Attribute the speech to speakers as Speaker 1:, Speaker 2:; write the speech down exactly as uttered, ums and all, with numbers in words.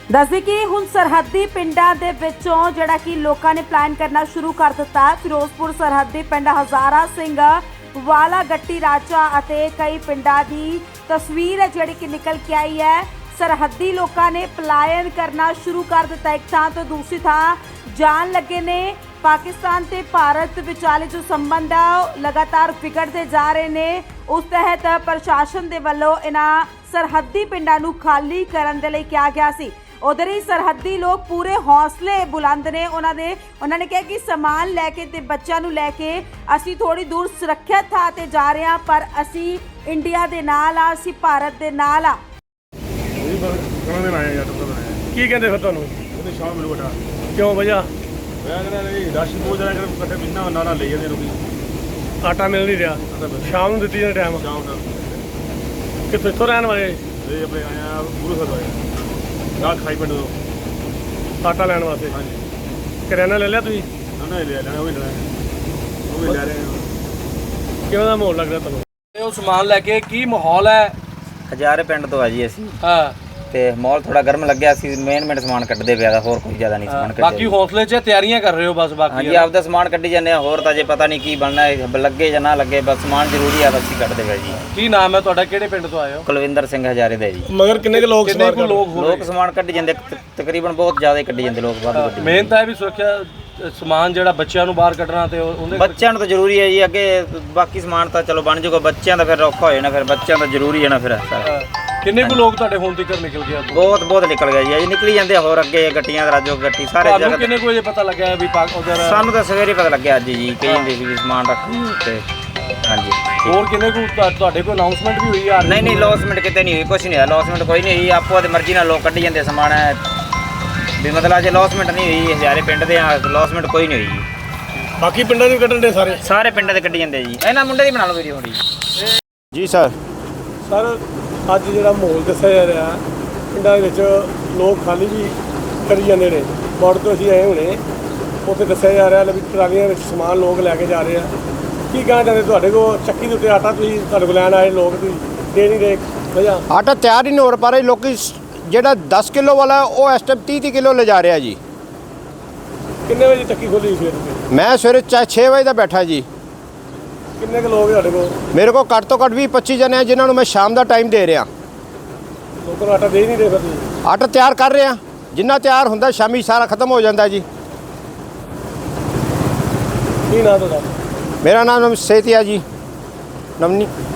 Speaker 1: ਦੱਸਦੇ ਕਿ ਹੁਣ ਸਰਹੱਦੀ ਪਿੰਡਾਂ ਦੇ ਵਿੱਚੋਂ ਜਿਹੜਾ ਕਿ ਲੋਕਾਂ ਨੇ ਪਲਾਨ ਕਰਨਾ ਸ਼ੁਰੂ ਕਰ ਦਿੱਤਾ ਹੈ। ਫਿਰੋਜ਼ਪੁਰ ਸਰਹੱਦੀ ਪਿੰਡ ਹਜ਼ਾਰਾ ਸਿੰਘ ਵਾਲਾ ਗੱਟੀ ਰਾਜਾ ਅਤੇ ਕਈ ਪਿੰਡਾਂ ਦੀ ਤਸਵੀਰ ਹੈ ਜਿਹੜੀ ਕਿ ਨਿਕਲ ਕੇ ਆਈ ਹੈ। ਸਰਹੱਦੀ ਲੋਕਾਂ ਨੇ ਪਲਾਇਨ ਕਰਨਾ ਸ਼ੁਰੂ ਕਰ ਦਿੱਤਾ, ਇੱਕ ਥਾਂ ਤੋਂ ਦੂਸਰੀ ਥਾਂ ਜਾਣ ਲੱਗੇ ਨੇ। ਪਾਕਿਸਤਾਨ ਤੇ ਭਾਰਤ ਵਿਚਾਲੇ ਜੋ ਸੰਬੰਧ ਆ ਲਗਾਤਾਰ ਵਿਗੜਦੇ ਜਾ ਰਹੇ ਨੇ। ਉਸ ਤਹਿਤ ਪ੍ਰਸ਼ਾਸਨ ਦੇ ਵੱਲੋਂ ਇਹਨਾਂ ਸਰਹੱਦੀ ਪਿੰਡਾਂ ਨੂੰ ਖਾਲੀ ਕਰਨ ਦੇ ਲਈ ਕਿਹਾ ਗਿਆ ਸੀ। उधर ही सरहदी लोग पूरे हौसले बुलंद ने। उन्होंने उन्होंने कहा कि समान लैके ते बच्चों नूं लैके असी थोड़ी दूर सुरक्षित थां ते जा रहे हैं, पर असी इंडिया दे नाल आ, असी भारत दे नाल आ।
Speaker 2: की कहंदे फिर तुहानूं ओहदे शाम मिलू बेटा क्यों वजह मैं कहना नहीं राशन बहुत ज़्यादा कर इकट्ठे बिना नाला ले जाते लोग आटा मिल नहीं रहा शाम नूं दित्ती जाने टाइम शाम का कित्थों इत्थों रहण वाले ये अपने आया गुरु घर आए रात खाई पिंड आटा लैन वास्ते। हाँ जी करियाना ले लिया तुसीं ना ना ले लेना वो भी लेना वो भी ले रहे हैं। किवें दा माहौल लग रहा तुहानूं
Speaker 3: ਉਹ ਸਮਾਨ ਲੈ ਕੇ ਕੀ ਮਾਹੌਲ ਹੈ?
Speaker 4: ਹਜ਼ਾਰੇ ਪਿੰਡ ਤੋਂ ਆ ਜੀ ਅਸੀਂ
Speaker 3: ਹਾਂ
Speaker 4: ਤੇ ਮਾਹੌਲ ਥੋੜਾ ਗਰਮ ਲੱਗਿਆ ਸੀ। ਮੇਨ ਮੇਨ ਸਮਾਨ ਕੱਢਦੇ ਪਿਆ ਦਾ, ਹੋਰ ਕੋਈ ਜ਼ਿਆਦਾ ਨਹੀਂ ਸਮਾਨ ਕੱਢਦੇ।
Speaker 3: ਬਾਕੀ ਹੌਸਲੇ 'ਚ ਤਿਆਰੀਆਂ ਕਰ ਰਹੇ ਹੋ ਬਸ? ਬਾਕੀ
Speaker 4: ਹਾਂਜੀ ਆਪਦਾ ਸਮਾਨ ਕੱਢੀ ਜਾਂਦੇ ਆ, ਹੋਰ ਤਾਂ ਜੇ ਪਤਾ ਨਹੀਂ ਕੀ ਬਣਨਾ ਹੈ, ਲੱਗੇ ਜਾਂ ਨਾ ਲੱਗੇ, ਬਸ ਸਮਾਨ ਜ਼ਰੂਰੀ ਆ ਤਾਂ ਅਸੀਂ ਕੱਢਦੇ ਪਿਆ ਜੀ।
Speaker 3: ਕੀ ਨਾਮ ਹੈ ਤੁਹਾਡਾ, ਕਿਹੜੇ ਪਿੰਡ ਤੋਂ ਆਏ ਹੋ?
Speaker 4: ਕੁਲਵਿੰਦਰ ਸਿੰਘ ਹਜ਼ਾਰੇ ਦਾ ਜੀ।
Speaker 2: मगर किन्ने के लोग
Speaker 3: ਕਿੰਨੇ ਕੁ ਲੋਕ ਹੋ
Speaker 4: ਲੋਕ ਸਮਾਨ ਕੱਢੀ ਜਾਂਦੇ, ਤਕ- ਤਕਰੀਬਨ ਬਹੁਤ ਜ਼ਿਆਦਾ ਹੀ ਕੱਢੀ ਜਾਂਦੇ ਲੋਕ ਬਾਹਰ ਕੱਢੀ।
Speaker 3: ਮਿਹਨਤ ਹੈ ਵੀ ਸੁਰੱਖਿਆ ਅ, ਸਮਾਨ ਜਿਹੜਾ ਬੱਚਿਆਂ ਨੂੰ ਬਾਹਰ ਕੱਢਣਾ ਤੇ ਉਹ- ਉਹਦੇ
Speaker 4: ਬੱਚਿਆਂ ਨੂੰ ਤਾਂ ਜ਼ਰੂਰੀ ਹੈ ਜੀ, ਅੱਗੇ ਬਾਕੀ ਸਮਾਨ ਤਾਂ ਚਲੋ ਬਣ ਜਾਊਗਾ, ਬੱਚਿਆਂ ਦਾ ਫਿਰ ਔਖਾ ਹੋ ਜਾਣਾ, ਫਿਰ ਬੱਚਿਆਂ ਦਾ ਜ਼ਰੂਰੀ ਹੈ ਨਾ ਫਿਰ ਸਾਰਾ।
Speaker 3: ਅ, ਕਿੰਨੇ ਕੁ ਲੋਕ ਤੁਹਾਡੇ ਹੁਣ ਤੱਕ ਨਿਕਲ ਗਏ?
Speaker 4: ਬਹੁਤ ਬਹੁਤ ਨਿਕਲ ਗਿਆ ਜੀ, ਅਜੇ ਨਿਕਲੀ ਜਾਂਦੇ ਆ, ਹੋਰ ਅੱਗੇ ਗੱਟੀਆਂ ਦਾ ਰਾਜੋ ਗੱਟੀ ਸਾਰੇ
Speaker 3: ਤੁਹਾਨੂੰ
Speaker 4: ਜਗ੍ਹਾ।
Speaker 3: ਕਿੰਨੇ ਕੁ ਵਜੇ ਪਤਾ ਲੱਗਿਆ ਵੀ ਪਾਕ ਉਧਰ?
Speaker 4: ਸਾਨੂੰ ਤਾਂ ਸਵੇਰੇ ਪਤਾ ਲੱਗਿਆ ਅੱਜ ਜੀ, ਕਹੀ ਜਾਂਦੇ ਸੀ ਵੀ ਸਮਾਨ ਰੱਖ ਤੇ ਹਾਂਜੀ।
Speaker 3: ਹੋਰ ਕਿੰਨੇ ਕੁ ਤੁਹਾ- ਤੁਹਾਡੇ ਕੋਲ ਅਨਾਉਂਸਮੈਂਟ ਵੀ ਹੋਈ ਆ?
Speaker 4: ਨਹੀਂ ਨਹੀਂ ਲੌਸਮੈਂਟ ਕਿਤੇ ਨਹੀਂ ਹੋਈ, ਕੁਛ ਨਹੀਂ ਹੋਇਆ, ਲੌਸਮੈਂਟ ਕੋਈ ਨਹੀਂ ਹੋਈ, ਆਪੋ ਦੀ ਮਰਜ਼ੀ ਨਾਲ ਲੋਕ ਕੱਢੀ ਜਾਂਦੇ ਸਮਾਨ ਹੈ ਵੀ, ਮਤਲਬ ਅਜੇ ਲੌਸਮੈਂਟ ਨਹੀਂ ਹੋਈ। ਹਜ਼ਾਰੇ ਪਿੰਡ ਦੇ ਆ, ਲੌਸਮੈਂਟ ਕੋਈ ਨਹੀਂ ਹੋਈ ਜੀ।
Speaker 2: बाकी पिंडा के कट्टन दे सारे
Speaker 4: ਸਾਰੇ ਪਿੰਡਾਂ ਦੇ ਕੱਢੀ ਜਾਂਦੇ ਜੀ। ਇਹਨਾਂ ਮੁੰਡੇ ਦੀ ਬਣਾ ਲਓ ਵੀਡੀਓ ਥੋੜੀ
Speaker 5: ਜੀ ਸਰ।
Speaker 2: ਸਰ ਅੱਜ ਜਿਹੜਾ ਮਾਹੌਲ ਦੱਸਿਆ ਜਾ ਰਿਹਾ ਪਿੰਡਾਂ ਦੇ ਵਿੱਚ ਲੋਕ ਖਾਲੀ ਵੀ ਕਰੀ ਜਾਂਦੇ ਨੇ। ਬਾਰਡਰ ਤੋਂ ਅਸੀਂ ਆਏ ਹੁਣੇ, ਉੱਥੇ ਦੱਸਿਆ ਜਾ ਰਿਹਾ ਵੀ ਟਰਾਲੀਆਂ ਵਿੱਚ ਸਮਾਨ ਲੋਕ ਲੈ ਕੇ ਜਾ ਰਹੇ ਆ। ਕੀ ਕਹਿਣਾ ਚਾਹੁੰਦੇ ਤੁਹਾਡੇ ਕੋਲ ਚੱਕੀ ਦੇ ਉੱਤੇ ਆਟਾ ਤੁਸੀਂ ਤੁਹਾਡੇ ਕੋਲ ਲੈਣ ਆਏ ਲੋਕ ਤੁਸੀਂ ਦੇ ਨਹੀਂ ਰਹੇ ਵਜ੍ਹਾ?
Speaker 5: ਆਟਾ ਤਿਆਰ ਹੀ ਨਹੀਂ ਹੋ ਪਾ ਰਿਹਾ। ਲੋਕੀ ਜਿਹੜਾ ਦਸ ਕਿਲੋ ਵਾਲਾ ਉਹ ਇਸ ਟਾਈਮ ਤੀਹ ਤੀਹ ਕਿਲੋ ਲਿਜਾ ਰਿਹਾ ਜੀ।
Speaker 2: ਕਿੰਨੇ ਵਜੇ ਚੱਕੀ ਖੋਲੀ ਸਵੇਰ ਤੋਂ?
Speaker 5: ਮੈਂ ਸਵੇਰੇ ਚਾਹੇ ਛੇ ਵਜੇ ਦਾ ਬੈਠਾ ਜੀ।
Speaker 2: ਕਿੰਨੇ ਕੁ ਲੋਕ ਤੁਹਾਡੇ ਕੋਲ?
Speaker 5: ਮੇਰੇ ਕੋਲ ਘੱਟ ਤੋਂ ਘੱਟ ਵੀਹ ਪੱਚੀ ਜਣੇ ਆ ਜਿਨ੍ਹਾਂ ਨੂੰ ਮੈਂ ਸ਼ਾਮ ਦਾ ਟਾਈਮ ਦੇ ਰਿਹਾ।
Speaker 2: ਲੋਕਾਂ ਨੂੰ ਆਟਾ ਦੇ ਨਹੀਂ ਰਹੇ ਫਿਰ ਤੁਸੀਂ?
Speaker 5: ਆਟਾ ਤਿਆਰ ਕਰ ਰਿਹਾ, ਜਿੰਨਾ ਤਿਆਰ ਹੁੰਦਾ ਸ਼ਾਮੀ ਸਾਰਾ ਖਤਮ ਹੋ ਜਾਂਦਾ ਜੀ।
Speaker 2: ਕੀ ਨਾਂ ਤੁਹਾਡਾ?
Speaker 5: ਮੇਰਾ ਨਾਮ ਸੇਤੀਆ ਜੀ, ਨਵਨੀ।